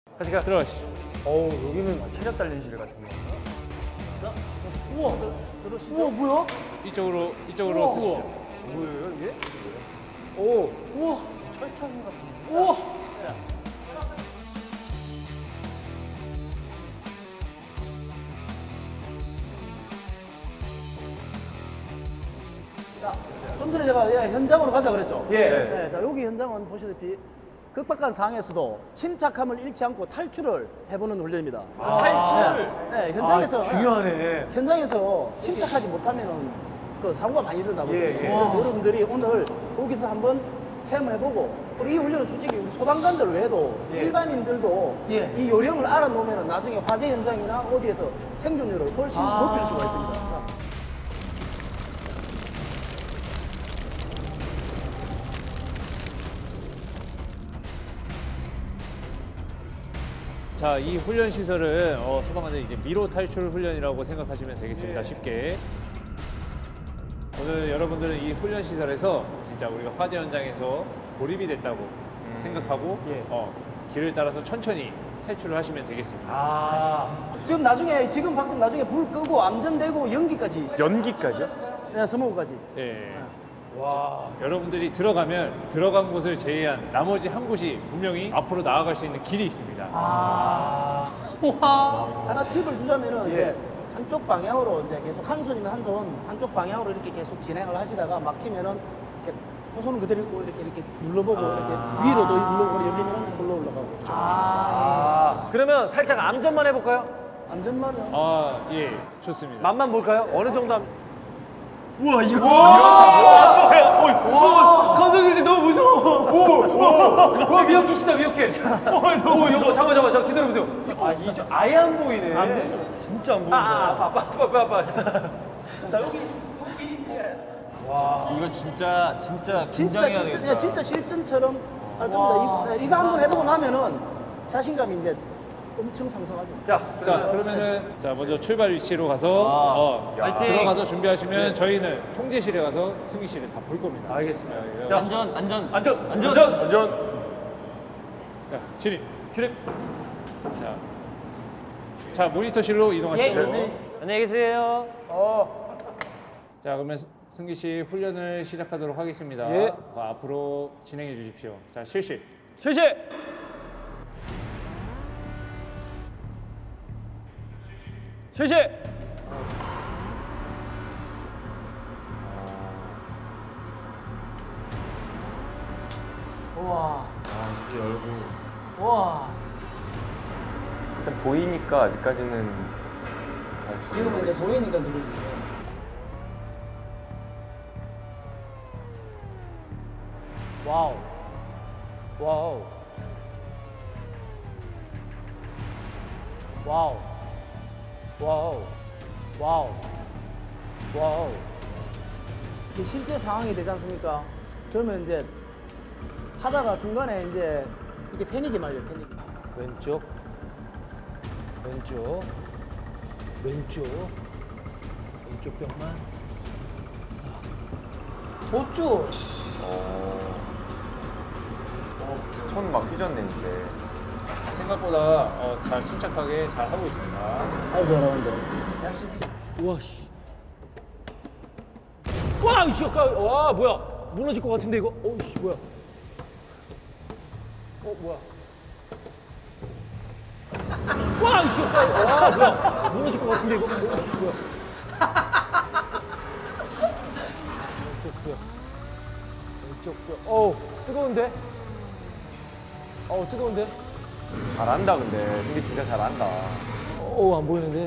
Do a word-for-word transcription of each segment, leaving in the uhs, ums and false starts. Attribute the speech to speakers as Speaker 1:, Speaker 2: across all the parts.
Speaker 1: 같이 가.
Speaker 2: 들어가시죠.
Speaker 1: 어우, 여기는 체력 단련실 같은 거.
Speaker 3: 자, 우와, 들으시죠? 우와, 뭐야?
Speaker 2: 이쪽으로 이쪽으로
Speaker 3: 우와,
Speaker 2: 쓰시죠.
Speaker 1: 뭐예요, 이게? 오,
Speaker 3: 우와,
Speaker 1: 철창 같은 거.
Speaker 3: 우와. 자, 좀 전에 제가 예, 현장으로 가자 그랬죠?
Speaker 1: 예.
Speaker 3: 네, 자, 여기 현장은 보시다시피 극박한 상황에서도 침착함을 잃지 않고 탈출을 해보는 훈련입니다.
Speaker 1: 아, 탈출?
Speaker 3: 네, 네, 현장에서
Speaker 1: 아, 중요하네.
Speaker 3: 현장에서 침착하지 못하면은 그 사고가 많이 일어나거든요.
Speaker 1: 예, 예.
Speaker 3: 그래서 여러분들이 오늘 여기서 한번 체험해보고 그리고 이 훈련은 솔직히 우리 소방관들 외에도
Speaker 1: 예.
Speaker 3: 일반인들도
Speaker 1: 예.
Speaker 3: 이 요령을 알아놓으면 나중에 화재 현장이나 어디에서 생존율을 훨씬
Speaker 1: 아.
Speaker 3: 높일 수가 있습니다. 자.
Speaker 2: 자, 이 훈련 시설은 어, 소방관들 이제 미로 탈출 훈련이라고 생각하시면 되겠습니다.
Speaker 1: 예.
Speaker 2: 쉽게. 오늘 여러분들은 이 훈련 시설에서 진짜 우리가 화재 현장에서 고립이 됐다고 생각하고
Speaker 1: 예.
Speaker 2: 어, 길을 따라서 천천히 탈출을 하시면 되겠습니다.
Speaker 1: 아,
Speaker 3: 지금 나중에 지금 방금 나중에 불 끄고 암전되고 연기까지
Speaker 1: 연기까지요?
Speaker 3: 네, 스모그까지.
Speaker 2: 예.
Speaker 1: 와.
Speaker 2: 여러분들이 들어가면 들어간 곳을 제외한 나머지 한 곳이 분명히 앞으로 나아갈 수 있는 길이 있습니다.
Speaker 1: 아.
Speaker 3: 하나 팁을 주자면은
Speaker 1: 예.
Speaker 3: 이제 한쪽 방향으로 이제 계속 한 손이면 한 손, 한쪽 방향으로 이렇게 계속 진행을 하시다가 막히면은 이렇게 호손은 그대로 있고 이렇게 이렇게 눌러보고 이렇게 위로도 눌러보고 열리면은 골로 올라가고.
Speaker 1: 아. 그러면 살짝 암전만 해볼까요?
Speaker 3: 안전만은
Speaker 2: 아, 예, 좋습니다.
Speaker 1: 맛만 볼까요? 어느 정도 함... 우와, 이거. 와, 뭐야? 오, 감독님 너무 무서워. 오, 오, 와, 미역캣이다, 미역캣. 오, 이거 잠깐, 잠깐, 잠깐, 기다려보세요. 아, 이 아예 안 보이네.
Speaker 3: 안 보여요.
Speaker 1: 진짜 안 보인다. 아, 아파, 아파, 아파, 아파.
Speaker 3: 자 여기 여기 예.
Speaker 4: 이거 진짜 진짜
Speaker 3: 진짜
Speaker 4: 긴장해야
Speaker 3: 진짜
Speaker 4: 되겠다.
Speaker 3: 예, 진짜 실전처럼 할 겁니다. 이, 이거 한번 해보고 나면은 자신감이 이제 엄청 상승하죠.
Speaker 1: 자,
Speaker 2: 자, 그러면은 자 먼저 출발 위치로 가서
Speaker 4: 아,
Speaker 2: 어,
Speaker 4: 화이팅!
Speaker 2: 들어가서 준비하시면 저희는 통제실에 가서 승희실에 다 볼 겁니다.
Speaker 1: 알겠습니다.
Speaker 2: 예,
Speaker 1: 자,
Speaker 4: 안전 안전
Speaker 1: 안전,
Speaker 4: 안전.
Speaker 1: 안전, 안전.
Speaker 2: 자, 진입.
Speaker 1: 출입.
Speaker 2: 자, 자 모니터실로 이동하시죠.
Speaker 3: 네.
Speaker 4: 안녕히 계세요.
Speaker 1: 어,
Speaker 2: 자, 그러면 승기 씨 훈련을 시작하도록 하겠습니다.
Speaker 1: 예.
Speaker 2: 어, 앞으로 진행해 주십시오. 자, 실시.
Speaker 1: 실시. 실시.
Speaker 3: 우와.
Speaker 5: 아, 이렇게 열고
Speaker 3: 우와.
Speaker 5: 일단 보이니까 아직까지는 갈 수
Speaker 3: 지금은 이제 보이니까 들려주세요. 와우. 와우. 와우. 와우. 와우. 와우. 이게 실제 상황이 되지 않습니까? 그러면 이제 하다가 중간에 이제 이게 패닉이 말려 패닉. 왼쪽. 왼쪽. 왼쪽. 왼쪽 벽만. 도주.
Speaker 5: 손막 휘졌네 이제.
Speaker 2: 생각보다 어, 잘 침착하게 잘 하고 있습니다.
Speaker 3: 아주 잘하는데.
Speaker 1: 우와, 씨. 와, 이씨, 아까, 와, 뭐야. 무너질 것 같은데, 이거? 어, 씨, 뭐야. 어, 뭐야. 와, 이씨, 아까, 와, 뭐야. 무너질 것 같은데, 이거? 어, 씨, 뭐야. 왼쪽 뼈. 왼쪽 뼈. 어우, 뜨거운데? 어우, 뜨거운데?
Speaker 5: 잘한다 근데 승기 진짜 잘한다.
Speaker 1: 어우, 안 보이는데?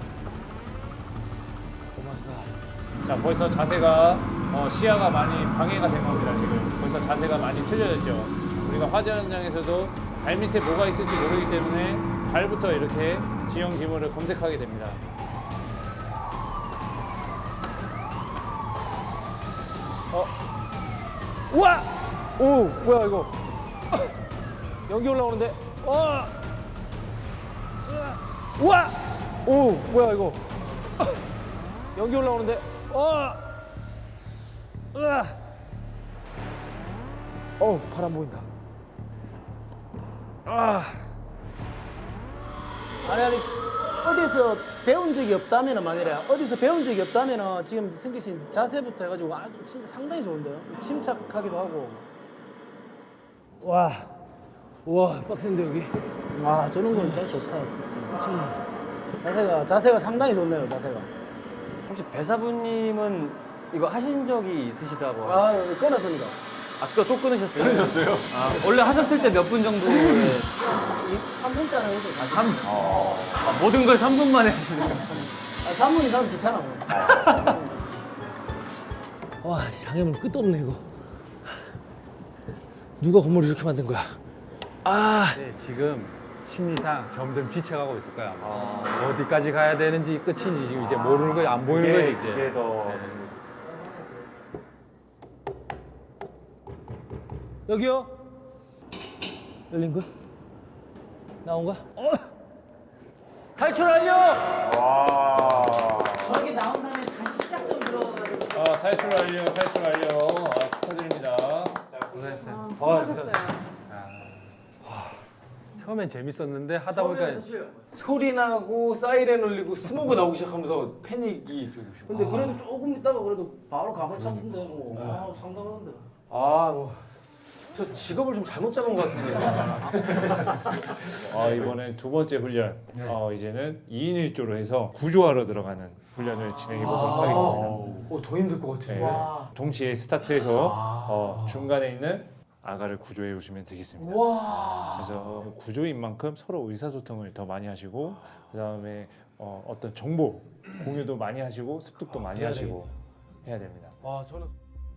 Speaker 1: 오 마이 갓.
Speaker 2: 자, 벌써 자세가 어, 시야가 많이 방해가 된 겁니다. 지금 벌써 자세가 많이 틀려졌죠. 우리가 화재 현장에서도 발 밑에 뭐가 있을지 모르기 때문에 발부터 이렇게 지형 지물을 검색하게 됩니다.
Speaker 1: 우와! 오, 뭐야, 이거. 연기 올라오는데? 와! 우와! 오, 뭐야, 이거. 연기 올라오는데? 와! 으아! 어우, 바람 보인다. 아!
Speaker 3: 아니 아니 어디서 배운 적이 없다면은 만이래 어디서 배운 적이 없다면은 지금 생기신 자세부터 해가지고 아주 진짜 상당히 좋은데요. 침착하기도 하고. 와, 와 빡센데 여기. 와 저런 건 진짜 좋다 진짜. 미쳤네. 자세가 자세가 상당히 좋네요 자세가.
Speaker 4: 혹시 배사부님은 이거 하신 적이 있으시다고?
Speaker 3: 아 끊었습니다.
Speaker 4: 아까 또 끊으셨어요? 끊으셨어요? 아, 원래 하셨을 때 몇 분 정도에
Speaker 3: 삼 분짜리 해도
Speaker 4: 아, 삼 아, 모든 걸 삼 분 만에 하시네요.
Speaker 3: 아, 삼 분 이상 귀찮아. 와, 장애물 끝도 없네 이거. 누가 건물 이렇게 만든 거야? 아,
Speaker 6: 네, 지금 심리상 점점 지쳐가고 있을 거야. 아마. 어디까지 가야 되는지 끝인지 지금 이제 모르는 거지, 안 보이는 거지 이제.
Speaker 5: 그게 더
Speaker 3: 여기요? 열린 거야? 나온 거야? 어! 탈출 완료!
Speaker 5: 와.
Speaker 3: 저기 나온 다음에 다시 시작 좀 들어가지고.
Speaker 2: 아, 탈출 완료, 탈출 완료. 아, 축하드립니다.
Speaker 6: 고생했어요.
Speaker 3: 수고하셨어요.
Speaker 6: 처음엔 재밌었는데 하다 보니까
Speaker 1: 소리 나고 사이렌 울리고 스모그 나오기 시작하면서 패닉이 좀 오시고.
Speaker 3: 근데 그래도 조금 있다가 그래도 바로 감을 찾던데 뭐. 아, 상당한데.
Speaker 1: 아, 뭐. 저 직업을 좀 잘못 잡은 것 같은데.
Speaker 2: 아, 이번엔 두 번째 훈련. 어, 이제는 이 인 일 조로 해서 구조하러 들어가는 훈련을 진행해 보도록 하겠습니다.
Speaker 1: 어, 더 힘들 것 같은데.
Speaker 2: 네. 동시에 스타트해서 어, 중간에 있는 아가를 구조해 주시면 되겠습니다. 그래서 구조인 만큼 서로 의사소통을 더 많이 하시고 그 다음에 어, 어떤 정보 공유도 많이 하시고 습득도 많이 하시고 해야 됩니다.
Speaker 1: 아, 저는.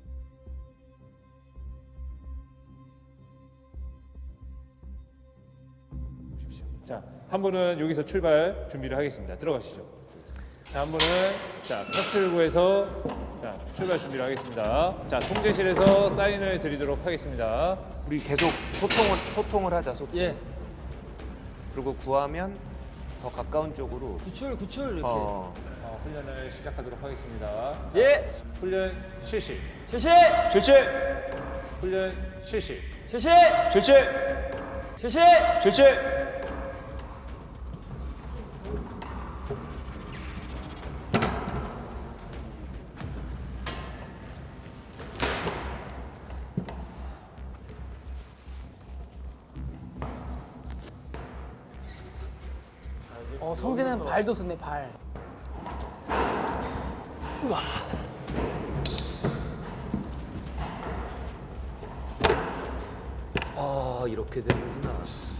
Speaker 2: 자, 한 분은 여기서 출발 준비를 하겠습니다. 들어가시죠. 자, 한 분은 자, 탈출구에서 자, 출발 준비를 하겠습니다. 자, 통제실에서 사인을 드리도록 하겠습니다.
Speaker 5: 우리 계속 소통을 소통을 하자 소통.
Speaker 4: 예.
Speaker 5: 그리고 구하면 더 가까운 쪽으로.
Speaker 4: 구출 구출 이렇게.
Speaker 5: 어.
Speaker 2: 어, 훈련을 시작하도록 하겠습니다.
Speaker 4: 예.
Speaker 2: 훈련 실시.
Speaker 4: 실시.
Speaker 5: 실시.
Speaker 2: 훈련 실시.
Speaker 4: 실시.
Speaker 5: 실시.
Speaker 4: 실시.
Speaker 5: 실시.
Speaker 3: 어, 성재는 발도 쓰네, 발.
Speaker 4: 아 이렇게 되는구나.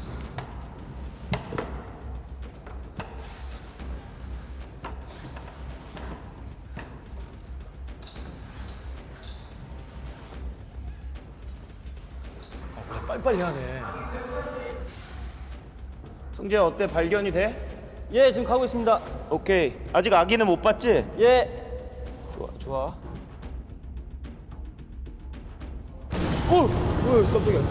Speaker 1: 빨리빨리 하네.
Speaker 7: 성재야 어때? 발견이 돼?
Speaker 4: 예 지금 가고 있습니다.
Speaker 7: 오케이. 아직 아기는 못 봤지?
Speaker 4: 예.
Speaker 7: 좋아 좋아.
Speaker 1: 어, 어, 깜짝이야.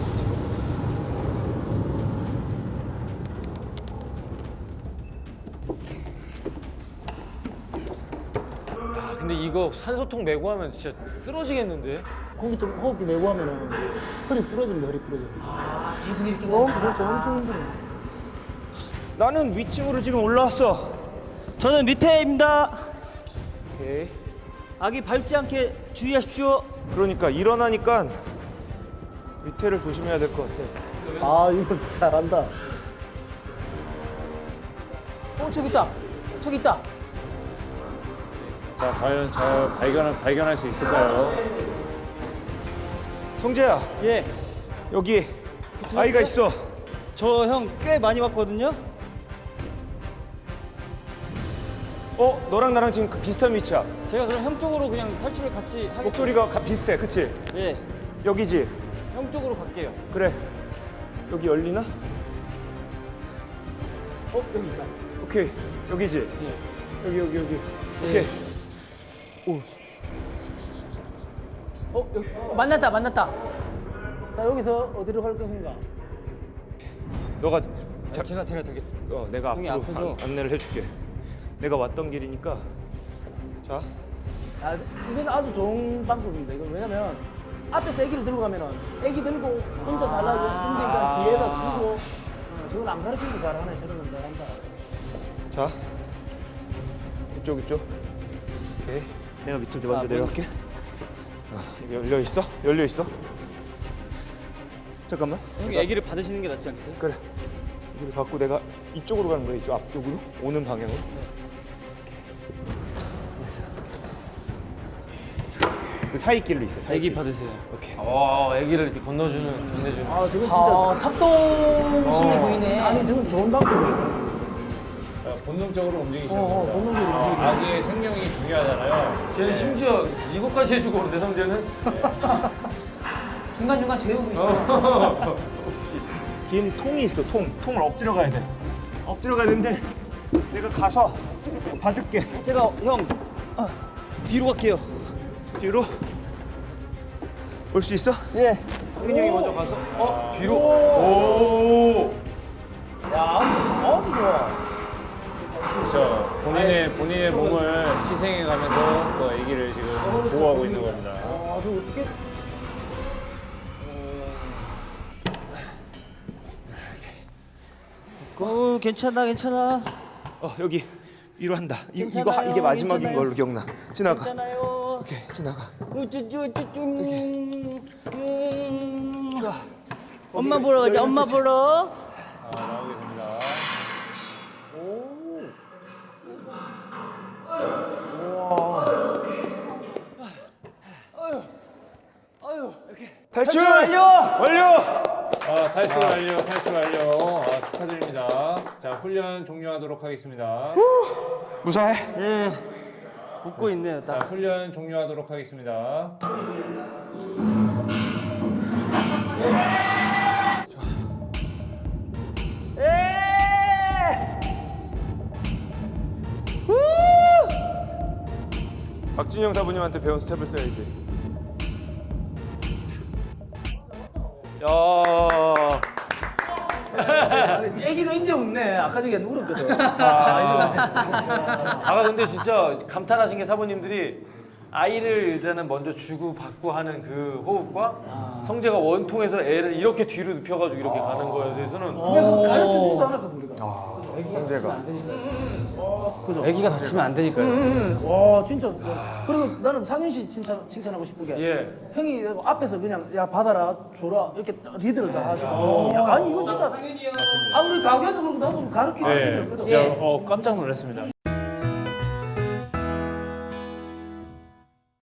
Speaker 1: 아, 근데 이거 산소통 메고 하면 진짜 쓰러지겠는데?
Speaker 3: 공기 좀 호흡기 메고 하면은 허리 부러집니다, 허리 부러져. 아, 계속 이렇게. 어, 그렇죠. 엄청 힘들어.
Speaker 7: 나는 위층으로 지금 올라왔어.
Speaker 4: 저는 밑에입니다.
Speaker 7: 오케이.
Speaker 4: 아기 밟지 않게 주의하십시오.
Speaker 7: 그러니까 일어나니까 밑에를 조심해야 될 것 같아.
Speaker 3: 아, 이거 잘한다. 어, 저기 있다. 저기 있다.
Speaker 2: 자, 과연 잘 발견 발견할 수 있을까요?
Speaker 7: 성재야
Speaker 4: 예.
Speaker 7: 여기 아이가 있어.
Speaker 4: 저 형 꽤 많이 봤거든요.
Speaker 7: 어 너랑 나랑 지금 그 비슷한 위치야.
Speaker 4: 제가 그럼 형 쪽으로 그냥 탈출을 같이 하겠습니다.
Speaker 7: 목소리가 가- 비슷해, 그치?
Speaker 4: 예.
Speaker 7: 여기지.
Speaker 4: 형 쪽으로 갈게요.
Speaker 7: 그래. 여기 열리나?
Speaker 3: 어, 여기 있다.
Speaker 7: 오케이. 여기지. 여기 여기 여기. 오케이.
Speaker 3: 어, 여기. 어, 만났다, 만났다. 자, 여기서 어디로 갈 것인가?
Speaker 7: 너가
Speaker 4: 자, 제가 제가 되겠습니다.
Speaker 7: 어, 내가
Speaker 4: 형이
Speaker 7: 앞으로
Speaker 4: 앞에서.
Speaker 7: 안- 안내를 해줄게. 내가 왔던 길이니까. 자,
Speaker 3: 아, 이건 아주 좋은 방법입니다. 이건 왜냐면 앞에서 애기를 들고 가면은 애기 들고 혼자 살라고 힘드니까 뒤에다 두고 어, 저건 안 가르치기도 잘하네. 저런 건 잘한다.
Speaker 7: 자, 이쪽 이쪽. 오케이. 내가 밑으로 먼저 내려갈게. 아, 여기 열려 있어? 열려 있어? 잠깐만.
Speaker 4: 형이 아기를 받으시는 게 낫지 않겠어요?
Speaker 7: 그래. 이걸 받고 내가 이쪽으로 가는 거야. 이쪽 앞쪽으로 오는 방향으로. 그 사이 길로 있어. 사이
Speaker 4: 아기
Speaker 7: 길.
Speaker 4: 받으세요.
Speaker 7: 오케이.
Speaker 6: 와, 아기를 이렇게 건너주는, 건네주는.
Speaker 3: 아 저건 진짜
Speaker 1: 협동심이 보이네.
Speaker 3: 아니 저건 좋은 방법이에요.
Speaker 2: 어, 본능적으로 움직이시는
Speaker 3: 어, 어,
Speaker 2: 겁니다.
Speaker 3: 본능적으로 움직이는
Speaker 2: 아, 아기의 생명이 중요하잖아요.
Speaker 6: 쟤는 심지어 이것까지 해주고 그러는데, 성재는?
Speaker 1: 중간 중간 재우고 있어.
Speaker 7: 긴 통이 있어. 통. 통을 엎드려 가야 돼. 엎드려 가야 되는데 내가 가서 받을게.
Speaker 4: 제가 형 아, 뒤로 갈게요.
Speaker 7: 뒤로 올 수 있어?
Speaker 3: 예.
Speaker 6: 혜균이 형이 먼저 가서, 어? 뒤로?
Speaker 3: 오. 야 아주 아주 좋아.
Speaker 2: 그렇죠. 본인의 본인의 몸을 희생해 가면서 그 아기를 지금 보호하고 있는 겁니다.
Speaker 3: 아 저 어떻게?
Speaker 4: 어 괜찮아 괜찮아.
Speaker 7: 어 여기 위로 한다. 이, 이거
Speaker 4: 괜찮아요,
Speaker 7: 하- 이게 마지막인
Speaker 4: 괜찮아요.
Speaker 7: 걸로 기억나. 지나가.
Speaker 4: 괜찮아요.
Speaker 7: 오케이 지나가.
Speaker 4: 우쭈쭈쭈쭈. 엄마 보러 가자. 엄마 보러.
Speaker 2: 아, 나오게 됩니다.
Speaker 7: 탈출 완료. 완료.
Speaker 2: 아, 탈출 완료, 탈출 완료. 아, 축하드립니다. 자, 훈련 종료하도록 하겠습니다.
Speaker 7: 무사해.
Speaker 4: 예. 웃고 있네요.
Speaker 2: 자,
Speaker 4: 딱.
Speaker 2: 훈련 종료하도록 하겠습니다.
Speaker 7: 박진영 사부님한테 배운 스텝을 써야지.
Speaker 6: 야.
Speaker 3: 애기가 이제 웃네. 아까 전에 울었거든.
Speaker 6: 아까 근데 진짜 감탄하신 게 사부님들이 아이를 일단은 먼저 주고 받고 하는 그 호흡과 성재가 원통에서 애를 이렇게 뒤로 눕혀가지고 이렇게 가는 거에 대해서는
Speaker 3: 그냥 가르쳐 주지도 않았거든 우리가.
Speaker 7: 형제가.
Speaker 4: 아기가 다치면 안 되니까요.
Speaker 3: 응. 와 진짜. 그리고 나는 상윤 씨 칭찬 칭찬하고 싶은 게
Speaker 6: 예.
Speaker 3: 형이 앞에서 그냥 야 받아라 줘라 이렇게 리드를 다 하시고. 야, 아니 이거 진짜 아무리 가게도 그렇고 나도 가르쳐 준 적이
Speaker 2: 네.
Speaker 3: 없거든.
Speaker 2: 야, 어, 깜짝 놀랐습니다.